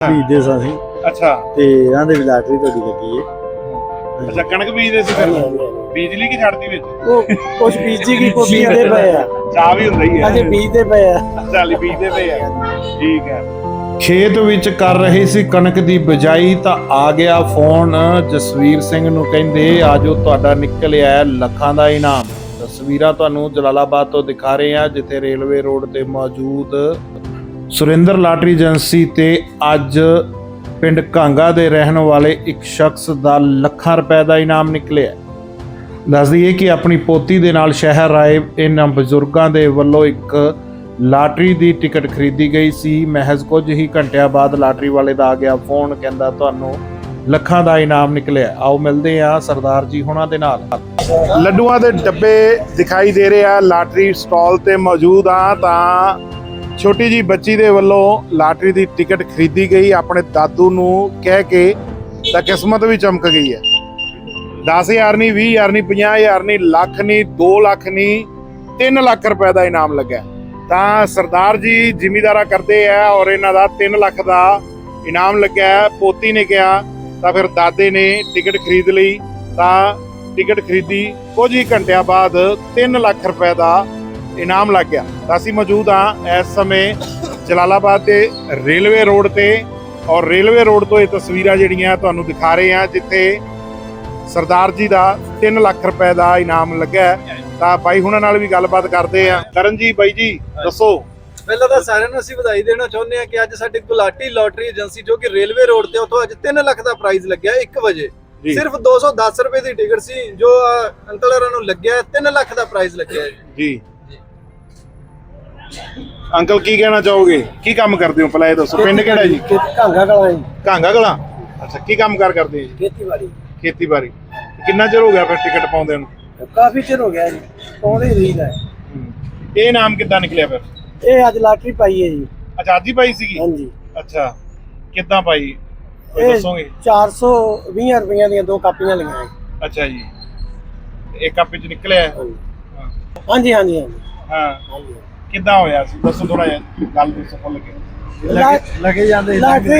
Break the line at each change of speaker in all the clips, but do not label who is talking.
ਬੀਜਦੇ ਸਾਂ ਅਸੀਂ।
ਅੱਛਾ
ਤੇ ਆਂਦੇ ਵੀ ਲਾਟਰੀ ਤੁਹਾਡੀ ਲੱਗੀ ਏ।
ਅੱਛਾ ਕਣਕ ਬੀਜਦੇ ਸੀ ਫਿਰ ਬੀਜਲੀ ਕੀ ਛੱਡਦੀ ਵਿੱਚ
ਉਹ ਕੁਛ ਬੀਜੀ ਕੀ ਕੋ ਬੀਜਦੇ ਪਏ ਆ,
ਚਾਹ ਵੀ ਹੁੰਦਾ ਹੀ ਹੈ
ਅਜੇ ਬੀਜਦੇ ਪਏ ਆ।
ਚੱਲ ਬੀਜਦੇ ਪਏ ਆ ਠੀਕ ਹੈ।
ਖੇਤ ਵਿੱਚ ਕਰ ਰਹੇ ਸੀ ਕਣਕ ਦੀ ਬਿਜਾਈ ਤਾਂ ਆ ਗਿਆ ਫੋਨ ਜਸਵੀਰ ਸਿੰਘ ਨੂੰ, ਕਹਿੰਦੇ ਆਜੋ ਤੁਹਾਡਾ ਨਿਕਲਿਆ ਹੈ ਲੱਖਾਂ ਦਾ ਇਨਾਮ। ਤਸਵੀਰਾਂ ਤੁਹਾਨੂੰ ਜਲਾਲਾਬਾਦ ਤੋਂ ਦਿਖਾ ਰਹੇ ਹਾਂ, ਜਿੱਥੇ ਰੇਲਵੇ ਰੋਡ ਤੇ ਮੌਜੂਦ ਸੁਰਿੰਦਰ ਲਾਟਰੀ ਏਜੰਸੀ ਤੇ ਅੱਜ ਪਿੰਡ ਕਾਂਗਾ ਦੇ ਰਹਿਣ ਵਾਲੇ ਇੱਕ ਸ਼ਖਸ ਦਾ ਲੱਖਾਂ ਰੁਪਏ ਦਾ ਇਨਾਮ ਨਿਕਲਿਆ। ਦੱਸ ਦਈਏ ਕਿ ਆਪਣੀ ਪੋਤੀ ਦੇ ਨਾਲ ਸ਼ਹਿਰ ਆਏ ਇਹਨਾਂ ਬਜ਼ੁਰਗਾਂ ਦੇ ਵੱਲੋਂ ਇੱਕ ਲਾਟਰੀ ਦੀ ਟਿਕਟ ਖਰੀਦੀ ਗਈ ਸੀ। ਮਹਿਜ਼ ਕੁਝ ਹੀ ਘੰਟਿਆਂ ਬਾਅਦ ਲਾਟਰੀ ਵਾਲੇ ਦਾ ਆ ਗਿਆ ਫੋਨ, ਕਹਿੰਦਾ ਤੁਹਾਨੂੰ ਲੱਖਾਂ ਦਾ ਇਨਾਮ ਨਿਕਲਿਆ। ਆਓ ਮਿਲਦੇ ਆ ਸਰਦਾਰ ਜੀ ਹੁਣਾਂ ਦੇ ਨਾਲ।
ਲੱਡੂਆਂ ਦੇ ਡੱਬੇ ਦਿਖਾਈ ਦੇ ਰਹੇ ਆ, ਲਾਟਰੀ ਸਟਾਲ ਤੇ ਮੌਜੂਦ ਆ। ਤਾਂ ਛੋਟੀ ਜੀ ਬੱਚੀ ਦੇ ਵੱਲੋਂ ਲਾਟਰੀ ਦੀ ਟਿਕਟ ਖਰੀਦੀ ਗਈ ਆਪਣੇ ਦਾਦੂ ਨੂੰ ਕਹਿ ਕੇ, ਤਾਂ ਕਿਸਮਤ ਵੀ ਚਮਕ ਗਈ ਹੈ। 10,000 ਨਹੀਂ, 20,000 ਨਹੀਂ, 50,000 ਨਹੀਂ, ਲੱਖ ਨਹੀਂ, 2 ਲੱਖ ਨਹੀਂ, 3 ਲੱਖ ਰੁਪਏ ਦਾ ਇਨਾਮ ਲੱਗਾ। ਤਾਂ ਸਰਦਾਰ ਜੀ ਜ਼ਿਮੀਂਦਾਰਾ ਕਰਦੇ ਆ ਔਰ ਇਹਨਾਂ ਦਾ 3 ਲੱਖ ਦਾ ਇਨਾਮ ਲੱਗਾ। ਪੋਤੀ ਨੇ ਕਿਹਾ ਤਾਂ ਫਿਰ ਦਾਦੇ ਨੇ ਟਿਕਟ ਖਰੀਦ ਲਈ। ਤਾਂ ਟਿਕਟ ਖਰੀਦੀ, ਕੁਝ ਹੀ ਘੰਟਿਆਂ ਬਾਅਦ 3 ਲੱਖ ਰੁਪਏ ਦਾ ਇਨਾਮ ਲੱਗ ਗਿਆ। ਤਾਂ ਅਸੀਂ ਮੌਜੂਦ ਹਾਂ ਇਸ ਸਮੇਂ ਜਲਾਲਾਬਾਦ ਦੇ ਰੇਲਵੇ ਰੋਡ ਤੇ, ਔਰ ਰੇਲਵੇ ਰੋਡ ਤੋਂ ਇਹ ਤਸਵੀਰਾਂ ਜਿਹੜੀਆਂ ਤੁਹਾਨੂੰ ਦਿਖਾ ਰਹੇ ਹਾਂ, ਜਿੱਥੇ ਸਰਦਾਰ ਜੀ ਦਾ 3 ਲੱਖ ਰੁਪਏ ਦਾ ਇਨਾਮ ਲੱਗਾ। ਤਾਂ ਬਾਈ ਹੁਣਾਂ ਨਾਲ ਵੀ ਗੱਲਬਾਤ ਕਰਦੇ ਆ। ਕਰਨ ਜੀ, ਬਾਈ ਜੀ ਦੱਸੋ।
ਪਹਿਲਾਂ ਤਾਂ ਸਾਰਿਆਂ ਨੂੰ ਅਸੀਂ ਵਧਾਈ ਦੇਣਾ ਚਾਹੁੰਦੇ ਹਾਂ ਕਿ ਅੱਜ ਸਾਡੇ ਗੁਲਾਟੀ ਲਾਟਰੀ ਏਜੰਸੀ ਜੋ ਕਿ ਰੇਲਵੇ ਰੋਡ ਤੇ, ਉੱਥੋਂ ਅੱਜ 3 ਲੱਖ ਦਾ ਪ੍ਰਾਈਜ਼ ਲੱਗਿਆ 1 ਵਜੇ। ਸਿਰਫ 210 ਰੁਪਏ ਦੀ ਟਿਕਟ ਸੀ ਜੋ ਅੰਕਲ ਹੋਰਾਂ ਨੂੰ ਲੱਗਿਆ। 3 ਲੱਖ ਦਾ ਪ੍ਰਾਈਜ਼ ਲੱਗਿਆ
ਜੀ। ਅੰਕਲ ਕੀ ਕਹਿਣਾ ਚਾਹੋਗੇ, ਕੀ ਕੰਮ ਕਰਦੇ ਹੋ ਪਹਿਲਾਂ ਇਹ ਦੱਸੋ। ਪਿੰਡ ਕਿਹੜਾ ਜੀ?
ਕਾਂਗਾ ਕਲਾਂ ਜੀ।
ਕਾਂਗਾ ਕਲਾਂ। ਅੱਛਾ, ਕੀ ਕੰਮ ਕਰਦੇ ਜੀ?
ਖੇਤੀਬਾੜੀ।
ਖੇਤੀਬਾੜੀ। ਕਿੰਨਾ ਚਿਰ ਹੋ ਗਿਆ ਫਿਰ ਟਿਕਟ ਪਾਉਂਦੇ ਨੂੰ?
ਕਾਫੀ ਚਿਰ ਹੋ ਗਿਆ ਜੀ, ਪਾਉਂਦੇ ਹੀ ਰਹੀਦਾ।
ਇਹ ਨਾਮ ਕਿੱਦਾਂ ਨਿਕਲਿਆ ਫਿਰ?
ਇਹ ਅੱਜ ਲਾਟਰੀ ਪਾਈ ਹੈ ਜੀ।
ਅੱਛਾ, ਅੱਜ ਹੀ ਪਾਈ ਸੀਗੀ?
ਹਾਂਜੀ।
ਅੱਛਾ, ਕਿੱਦਾਂ ਪਾਈ ਕੋਈ
ਇਹ
ਦੱਸੋਗੇ?
420 ਰੁਪਈਆਂ ਦੀਆਂ 2 ਕਾਪੀਆਂ ਲਈਆਂ ਜੀ।
ਅੱਛਾ ਜੀ, ਇੱਕ ਕਾਪੀ ਚ ਨਿਕਲਿਆ?
ਹਾਂਜੀ ਹਾਂਜੀ ਹਾਂਜੀ
ਹਾਂ,
ਹਾਂਜੀ।
ਕਿੱਦਾਂ ਹੋਇਆ ਸੀ ਦੱਸੋ ਥੋੜਾ ਜਿਹਾ, ਗੱਲ ਦੱਸੋ ਖੁੱਲ ਕੇ।
ਲੱਗੇ ਜਾਂਦੇ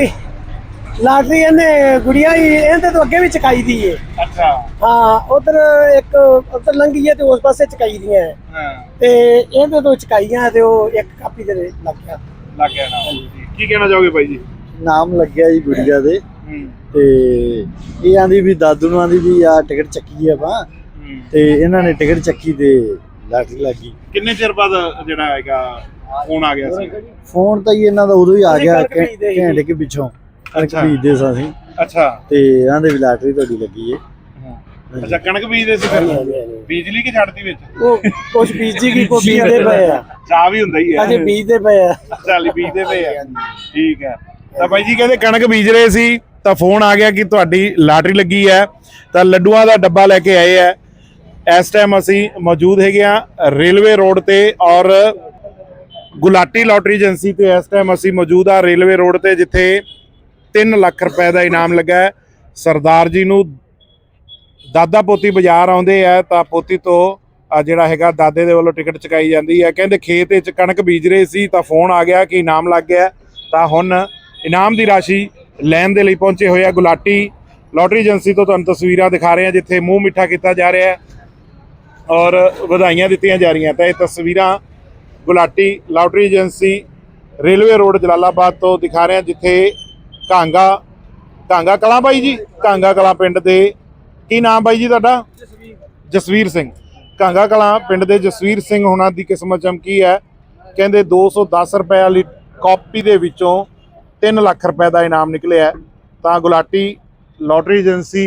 ਲਾਟਰੀ ਇਹਨੇ ਗੁੜੀਆ ਹੀ ਇਹਦੇ ਤੋਂ ਅੱਗੇ ਵੀ ਚਕਾਈ ਦੀ ਏ।
ਅੱਛਾ।
ਹਾਂ, ਉਧਰ ਇੱਕ ਉਧਰ ਲੰਗੀ ਹੈ ਤੇ ਉਸ ਪਾਸੇ ਚਕਾਈ ਦੀਆਂ
ਹਾਂ,
ਤੇ ਇਹਦੇ ਤੋਂ ਚਕਾਈਆਂ ਤੇ ਉਹ ਇੱਕ ਕਾਪੀ ਦੇ ਲੱਗ ਗਿਆ
ਨਾ। ਕੀ ਕਹਿਣਾ ਚਾਹੋਗੇ ਬਾਈ ਜੀ?
ਨਾਮ ਲੱਗਿਆ ਜੀ ਗੁੜੀਆ ਦੇ। ਤੇ ਇਹ ਆਂਦੀ ਵੀ ਦਾਦੂ ਨੂੰ ਆਂਦੀ ਵੀ ਆ ਟਿਕਟ ਚੱਕੀ ਆਪਾਂ, ਤੇ ਇਹਨਾਂ ਨੇ ਟਿਕਟ ਚੱਕੀ ਤੇ ਲਾਟਰੀ ਲੱਗੀ।
ਕਿੰਨੇ ਚਿਰ ਬਾਅਦ ਜਿਹੜਾ ਹੈਗਾ ਫੋਨ ਆ ਗਿਆ ਸੀ?
ਫੋਨ ਤਾਂ ਹੀ ਇਹਨਾਂ ਦਾ ਉਦੋਂ ਹੀ ਆ ਗਿਆ ਘੰਟੇ ਕੇ ਪਿੱਛੋਂ। ਕਣਕ ਬੀਜਦੇ ਸਾਂ ਅਸੀਂ।
ਅੱਛਾ।
ਤੇ ਆਂਦੇ ਵੀ ਲਾਟਰੀ ਤੁਹਾਡੀ ਲੱਗੀ ਏ।
ਅੱਛਾ, ਕਣਕ ਬੀਜਦੇ ਸੀ ਫਿਰ ਬੀਜਲੀ ਕੀ ਛੱਡਦੀ ਵਿੱਚ
ਉਹ ਕੁਛ ਬੀਜੀ ਕੀ ਕੋ ਬੀਜਦੇ ਪਏ ਆ,
ਚਾਹ ਵੀ ਹੁੰਦਾ ਹੀ ਹੈ
ਅਜੇ ਬੀਜਦੇ ਪਏ ਆ।
ਚੱਲ ਬੀਜਦੇ ਪਏ ਆ ਠੀਕ ਹੈ। ਤਾਂ ਬਾਈ ਜੀ ਕਹਿੰਦੇ ਕਣਕ ਬੀਜ ਰਹੇ ਸੀ ਤਾਂ ਫੋਨ ਆ ਗਿਆ ਕਿ ਤੁਹਾਡੀ ਲਾਟਰੀ ਲੱਗੀ ਹੈ। ਤਾਂ ਲੱਡੂਆਂ ਦਾ ਡੱਬਾ ਲੈ ਕੇ ਆਏ ਆ। ਇਸ ਟਾਈਮ ਅਸੀਂ ਮੌਜੂਦ ਹੈਗੇ ਆ ਰੇਲਵੇ ਰੋਡ ਤੇ, ਔਰ ਗੁਲਾਟੀ ਲਾਟਰੀ ਏਜੰਸੀ ਤੇ ਇਸ ਟਾਈਮ ਅਸੀਂ ਮੌਜੂਦ ਆ ਰੇਲਵੇ ਰੋਡ ਤੇ, ਜਿੱਥੇ 3 ਲੱਖ ਰੁਪਏ ਦਾ ਇਨਾਮ ਲੱਗਾ ਹੈ। ਸਰਦਾਰ ਜੀ ਨੂੰ ਦਾਦਾ ਪੋਤੀ ਬਾਜ਼ਾਰ ਆਉਂਦੇ ਆ ਤਾਂ ਪੋਤੀ ਤੋਂ ਜਿਹੜਾ ਹੈਗਾ ਦਾਦੇ ਦੇ ਵੱਲੋਂ ਟਿਕਟ ਚੁਕਾਈ ਜਾਂਦੀ ਹੈ। ਕਹਿੰਦੇ ਖੇਤ ਵਿੱਚ ਕਣਕ ਬੀਜ ਰਹੇ ਸੀ ਤਾਂ ਫੋਨ ਆ ਗਿਆ ਕਿ ਇਨਾਮ ਲੱਗ ਗਿਆ। ਤਾਂ ਹੁਣ ਇਨਾਮ ਦੀ ਰਾਸ਼ੀ ਲੈਣ ਦੇ ਲਈ ਪਹੁੰਚੇ ਹੋਏ ਆ ਗੁਲਾਟੀ ਲਾਟਰੀ ਏਜੰਸੀ ਤੋਂ। ਤੁਹਾਨੂੰ ਤਸਵੀਰਾਂ ਦਿਖਾ ਰਹੇ ਹਾਂ ਜਿੱਥੇ ਮੂੰਹ ਮਿੱਠਾ ਕੀਤਾ ਜਾ ਰਿਹਾ ਹੈ ਔਰ ਵਧਾਈਆਂ ਦਿੱਤੀਆਂ ਜਾ ਰਹੀਆਂ। ਤਾਂ ਇਹ ਤਸਵੀਰਾਂ Gulati lottery agency railway road Jalalabad ਤੋਂ ਦਿਖਾ ਰਹੇ ਹਾਂ, ਜਿੱਥੇ ਕਾਂਗਾ ਕਲਾਂ। ਬਾਈ ਜੀ, ਕਾਂਗਾ ਕਲਾਂ ਪਿੰਡ ਦੇ ਕੀ ਨਾਮ ਬਾਈ ਜੀ ਤੁਹਾਡਾ? ਜਸਵੀਰ ਸਿੰਘ। ਕਾਂਗਾ ਕਲਾਂ ਪਿੰਡ ਦੇ ਜਸਵੀਰ ਸਿੰਘ ਹੁਣਾਂ ਦੀ ਕਿਸਮਤ ਚਮਕੀ ਹੈ। ਕਹਿੰਦੇ 210 ਰੁਪਏ ਵਾਲੀ ਕਾਪੀ ਦੇ ਵਿੱਚੋਂ 3 ਲੱਖ ਰੁਪਏ ਦਾ ਇਨਾਮ ਨਿਕਲਿਆ। ਤਾਂ Gulati lottery agency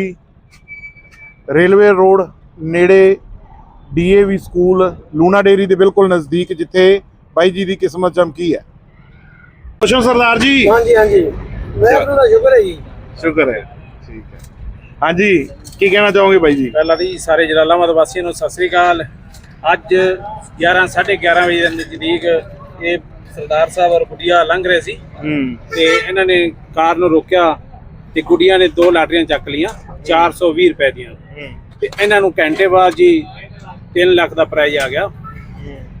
railway road ਨੇੜੇ DAV ਸਕੂਲ ਲੂਣਾ ਡੇਰੀ ਦੇ ਬਿਲਕੁਲ ਨਜ਼ਦੀਕ, ਜਿੱਥੇ ਬਾਈ ਜੀ ਦੀ ਕਿਸਮਤ ਚਮਕੀ ਹੈ। ਖੁਸ਼ ਹੋ ਸਰਦਾਰ ਜੀ? ਹਾਂਜੀ ਹਾਂਜੀ, ਵਾਹਿਗੁਰੂ ਦਾ ਸ਼ੁਕਰ ਹੈ ਜੀ। ਸ਼ੁਕਰ ਹੈ, ਠੀਕ ਹੈ। ਹਾਂਜੀ, ਕੀ ਕਹਿਣਾ ਚਾਹੋਗੇ ਬਾਈ ਜੀ?
ਪਹਿਲਾਂ ਦੀ ਸਾਰੇ ਜਲਾਲਾਬਾਦ ਵਾਸੀਆਂ ਨੂੰ ਸਤਿ ਸ੍ਰੀ ਅਕਾਲ। ਅੱਜ 11:30 ਵਜੇ ਦੇ ਨਜ਼ਦੀਕ ਇਹ ਸਰਦਾਰ ਸਾਹਿਬ ਔਰ ਗੁੱਡੀਆ ਲੰਘ ਰਹੇ ਸੀ ਤੇ ਇਹਨਾਂ ਨੇ ਕਾਰ ਨੂੰ ਰੋਕਿਆ ਤੇ ਗੁੱਡੀਆ ਨੇ 2 ਲਾਟਰੀਆਂ ਚੱਕ ਲੀਆਂ 420 ਰੁਪਏ ਦੀਆਂ। ਤੇ ਇਹਨਾਂ ਨੂੰ ਘੰਟੇ ਬਾਅਦ ਜੀ 3 ਲੱਖ ਦਾ ਪ੍ਰਾਈਜ਼ ਆ ਗਿਆ।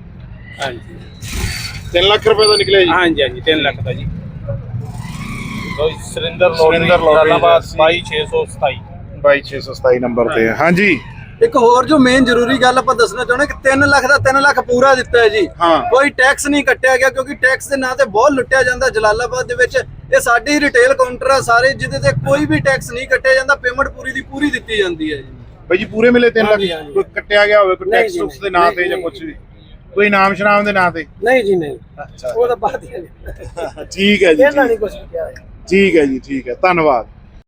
ਹਾਂਜੀ,
3 ਲੱਖ ਰੁਪਏ ਦਾ ਨਿਕਲਿਆ ਜੀ?
ਹਾਂਜੀ ਹਾਂਜੀ, 3 ਲੱਖ ਦਾ ਜੀ। Surinder
Surinder lottery,
Jalalabad
agency.
22627
22627 number ਤੇ ਹੈ। ਹਾਂਜੀ
ਇੱਕ ਹੋਰ ਜੋ ਮੇਨ ਜ਼ਰੂਰੀ ਗੱਲ ਆਪਾਂ ਦੱਸਣਾ ਚਾਹੁੰਦੇ ਕਿ 3 ਲੱਖ ਦਾ 3 ਲੱਖ ਪੂਰਾ ਦਿੱਤਾ ਹੈ ਜੀ।
ਹਾਂ।
ਕੋਈ ਟੈਕਸ ਨਹੀਂ ਕੱਟਿਆ ਗਿਆ ਕਿਉਂਕਿ ਟੈਕਸ ਦੇ ਨਾਂ ਤੇ ਬਹੁਤ ਲੁੱਟਿਆ ਜਾਂਦਾ ਜਲਾਲਾਬਾਦ ਦੇ ਵਿੱਚ। ਇਹ ਸਾਡੀ ਰਿਟੇਲ ਕਾਊਂਟਰ ਆ ਸਾਰੇ, ਜਿਹਦੇ ਤੇ ਕੋਈ ਵੀ ਟੈਕਸ ਨਹੀਂ ਕੱਟਿਆ ਜਾਂਦਾ, ਪੇਮੈਂਟ ਪੂਰੀ ਦੀ ਪੂਰੀ ਦਿੱਤੀ ਜਾਂਦੀ ਹੈ ਜੀ।
ਬਾਈ ਜੀ ਪੂਰੇ ਮਿਲੇ 3
ਹਾਂਜੀ,
ਲੱਖ?
ਹਾਂਜੀ।
ਕੋਈ ਕੱਟਿਆ ਗਿਆ ਹੋਵੇ ਕੋਈ
ਨਹੀਂ
ਟੈਕਸ
ਜੀ,
ਟੁਕਸ ਦੇ ਨਾਂ ਤੇ ਜਾਂ
ਨਹੀਂ,
ਕੁਝ ਵੀ, ਕੋਈ ਨਾਮ ਸ਼ਨਾਮ ਦੇ ਨਾਂ ਤੇ?
ਨਹੀਂ ਜੀ ਨਹੀਂ,
ਅੱਛਾ
ਉਹ ਤਾਂ ਬਾਤ ਹੀ ਹੈ।
ਠੀਕ ਹੈ ਜੀ,
ਇਹਨਾਂ ਨੇ ਕੁਝ ਕਿਹਾ ਹੈ।
ਠੀਕ ਹੈ ਜੀ, ਠੀਕ ਹੈ, ਧੰਨਵਾਦ।